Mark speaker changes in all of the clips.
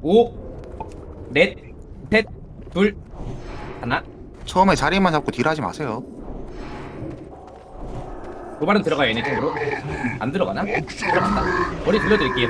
Speaker 1: 5, 넷, 셋, 둘, 하나.
Speaker 2: 처음에 자리만 잡고 딜하지 마세요.
Speaker 1: 도발은 들어가요. 얘네 쪽으로. 안 들어가나? 들어간다. 머리 돌려드릴게요.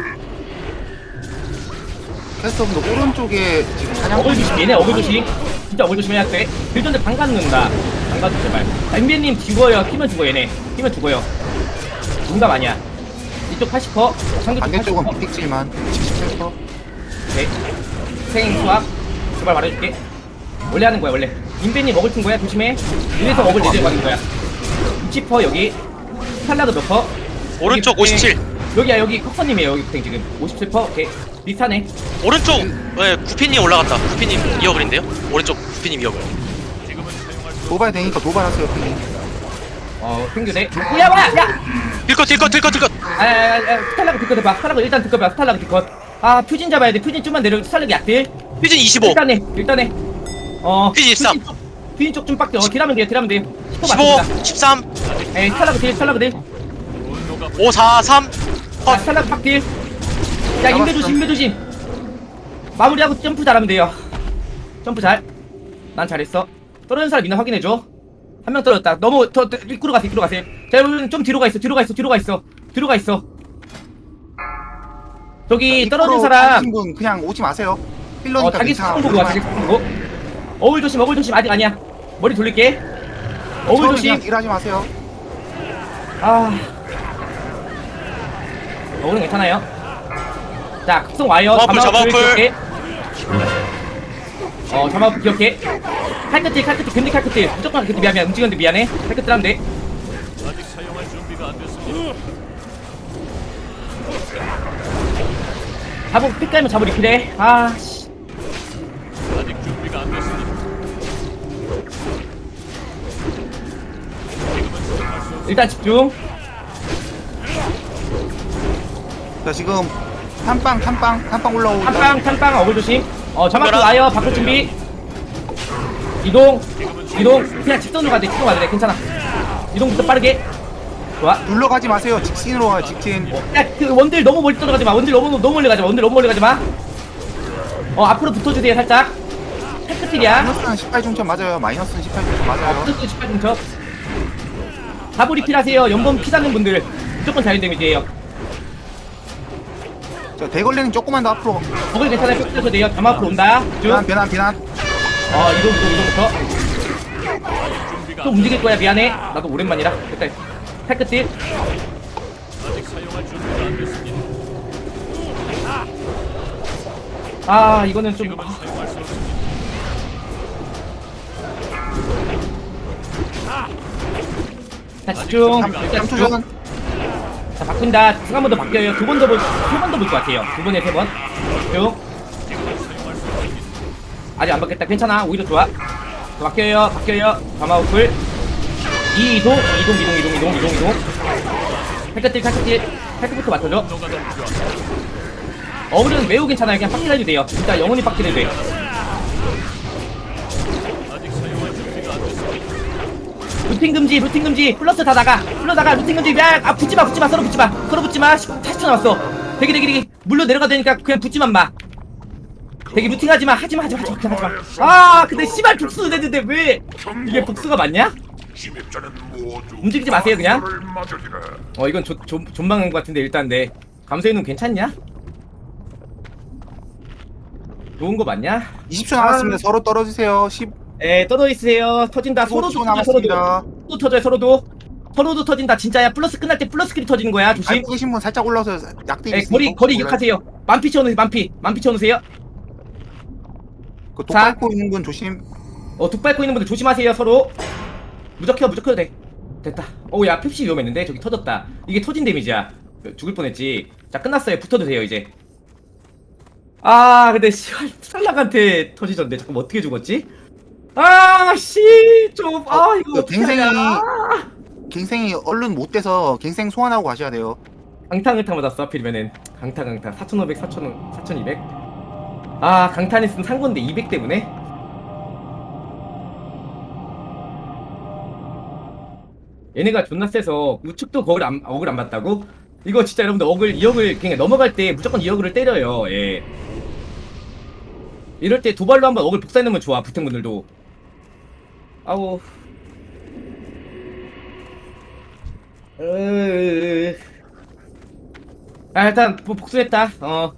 Speaker 2: 캐스터분도 오른쪽에 지금 사냥.
Speaker 1: 어글 조심. 얘네 어글 조심. 진짜 어글 조심해야 돼. 빌전데 방간 넣는다. 방가도 제발. MB님 죽어요. 키면 죽어 얘네. 키면 죽어요. 농담 아니야. 이쪽 80%, 상대 쪽
Speaker 2: 반대쪽은
Speaker 1: 80%.
Speaker 2: 빅픽질만 77%.
Speaker 1: 네. 생 수학. 제발 말해줄게. 원래 하는 거야 원래. 인벤님 먹을 튼 거야 조심해. 이래서 먹을 내려가는 거야. 60% 여기. 스탈라그 몇 퍼?
Speaker 3: 오른쪽
Speaker 1: 여기
Speaker 3: 57.
Speaker 1: 여기야 여기 컵서님이에요 여기 지금 57%. 오케이. 비슷하네.
Speaker 3: 오른쪽 네, 구피님 올라갔다. 구피님 2어글인데요? 오른쪽 구피님 2어글.
Speaker 2: 도발 되니까 도발하세요, 핑.
Speaker 1: 평균에. 야 뭐야 야.
Speaker 3: 딜컷.
Speaker 1: 스탈라그 뒷컷 해봐. 스탈라그 일단 뒷컷 해봐. 스탈라그 뒷컷. 아 퓨진 잡아야 돼. 퓨진 좀만 내려. 스탈라그 약딜.
Speaker 3: 퓨진 25.
Speaker 1: 일단해.
Speaker 3: 퓨진 13.
Speaker 1: 퓨진 쪽 좀 빡대. 딜하면 돼요. 10%
Speaker 3: 15.
Speaker 1: 맞습니다.
Speaker 3: 13.
Speaker 1: 에이 스탈라그 딜.
Speaker 3: 5 4 3.
Speaker 1: 아, 스탈라그 팍딜. 야 인베 조심. 마무리하고 점프 잘하면 돼요. 점프 잘. 난 잘했어. 떨어진 사람 있나 확인해줘. 한 명 떨어졌다. 너무 더 입구로 가세요. 자 여러분 좀 뒤로 가 있어. 저기 떨어진 사람
Speaker 2: 분 그냥 오지 마세요. 필러니까
Speaker 1: 자기
Speaker 2: 괜찮아.
Speaker 1: 스폰 보고 와. 자기 스폰 보고. 어울 조심 아직 아니야. 머리 돌릴게. 어울
Speaker 2: 처음에
Speaker 1: 조심.
Speaker 2: 그냥 딜하지 마세요.
Speaker 1: 아 어울은 괜찮아요. 자 급성 와요.
Speaker 3: 자마우풀.
Speaker 1: 기억해. 자마우풀 기억해. 칼끝질 근데 칼끝질 무조건 칼끝질. 미안 움직였는데 미안해. 칼끝질 하면 돼. 잡으 픽 깔면 잡으 리필해. 아씨 일단 집중.
Speaker 2: 자, 지금 탐빵 올라오고.
Speaker 1: 탐빵 어글 조심. 자마우풀 와요. 바꿀 준비. 이동 그냥 직선으로 가야 돼. 괜찮아. 이동부터 빠르게. 좋아.
Speaker 2: 눌러가지 마세요. 직진으로 와요. 직진.
Speaker 1: 야, 그 원딜 너무 멀리 떨어가지 마. 원딜 너무 멀리 가지 마. 앞으로 붙어주세요, 살짝. 테크틸이야.
Speaker 2: 마이너스는 18중점 맞아요. 마이너스는 18중점 맞아요.
Speaker 1: 붙어주세요, 18중첩. 다불이 필하세요. 연봉 피다는 분들 무조건 자연 데미지예요.
Speaker 2: 자, 대걸레는 조금만 더 앞으로.
Speaker 1: 거기 괜찮아요. 펴셔도 돼요. 담 앞으로 온다. 쭉.
Speaker 2: 변환.
Speaker 1: 이동부터. 또 움직일 거야. 미안해. 나도 오랜만이라. 일단 테크틸. 이거는 좀. 자 집중. 일단 집중.
Speaker 2: 3초전.
Speaker 1: 자 바꾼다. 한 번 더 바뀌어요. 세 번 더 볼 것 같아요. 2번에 3번. 쭉. 아직 안 바뀌었다. 괜찮아. 오히려 좋아. 자, 바뀌어요. 가마우풀. 이동. 칼끝부터 맞춰줘. 어글은 매우 괜찮아요. 그냥 빡딜해도 돼요. 진짜 영원히 빡딜해도 돼. 루팅 금지. 플러스 다 나가. 루팅 금지. 야, 붙지마. 서로 붙지마. 40초 남았어. 대기. 물로 내려가야 되니까 그냥 붙지만 마. 대기 루팅하지 마. 하지 마. 근데 씨발 복수 됐는데 왜 이게 복수가 맞냐? 움직이지 마세요 그냥. 이건 존망한 것 같은데 일단 네. 감소해는 괜찮냐? 좋은 거 맞냐?
Speaker 2: 20초 남았습니다. 서로 떨어지세요. 10.
Speaker 1: 떨어 있으세요. 터진다.
Speaker 2: 15초 남았습니다.
Speaker 1: 또 터져요. 서로도 터진다. 진짜야. 플러스 끝날 때 플러스 킬이 터지는 거야. 조심.
Speaker 2: 알고 계신 분 살짝 올라오서 약대.
Speaker 1: 거리 기억하세요. 만피 채워놓으세요. 만피 채워놓으세요.
Speaker 2: 그 독밟고 있는 분 조심.
Speaker 1: 독 밟고 있는 분들 조심하세요. 서로 무적해도 돼. 됐다. 야 펩시 위험했는데 저기 터졌다. 이게 터진 데미지야. 죽을 뻔했지. 자 끝났어요. 붙어도 돼요 이제. 근데 씨발 탈락한테 터지던데. 잠깐 어떻게 죽었지? 이거
Speaker 2: 갱생이 얼른 못 돼서 갱생 소환하고 가셔야 돼요.
Speaker 1: 강탕을 맞았어. 하필이면은 강탕 4,500 4,200. 강탄 했으면 산 건데 200 때문에. 얘네가 존나 세서 우측도 어글 안 봤다고? 이거 진짜 여러분들 2억을 그냥 넘어갈 때 무조건 2억을 때려요. 예. 이럴 때 도발로 한번 어글 복사해놓으면 좋아. 부탱분들도. 아우. 아, 일단 뭐 복수했다.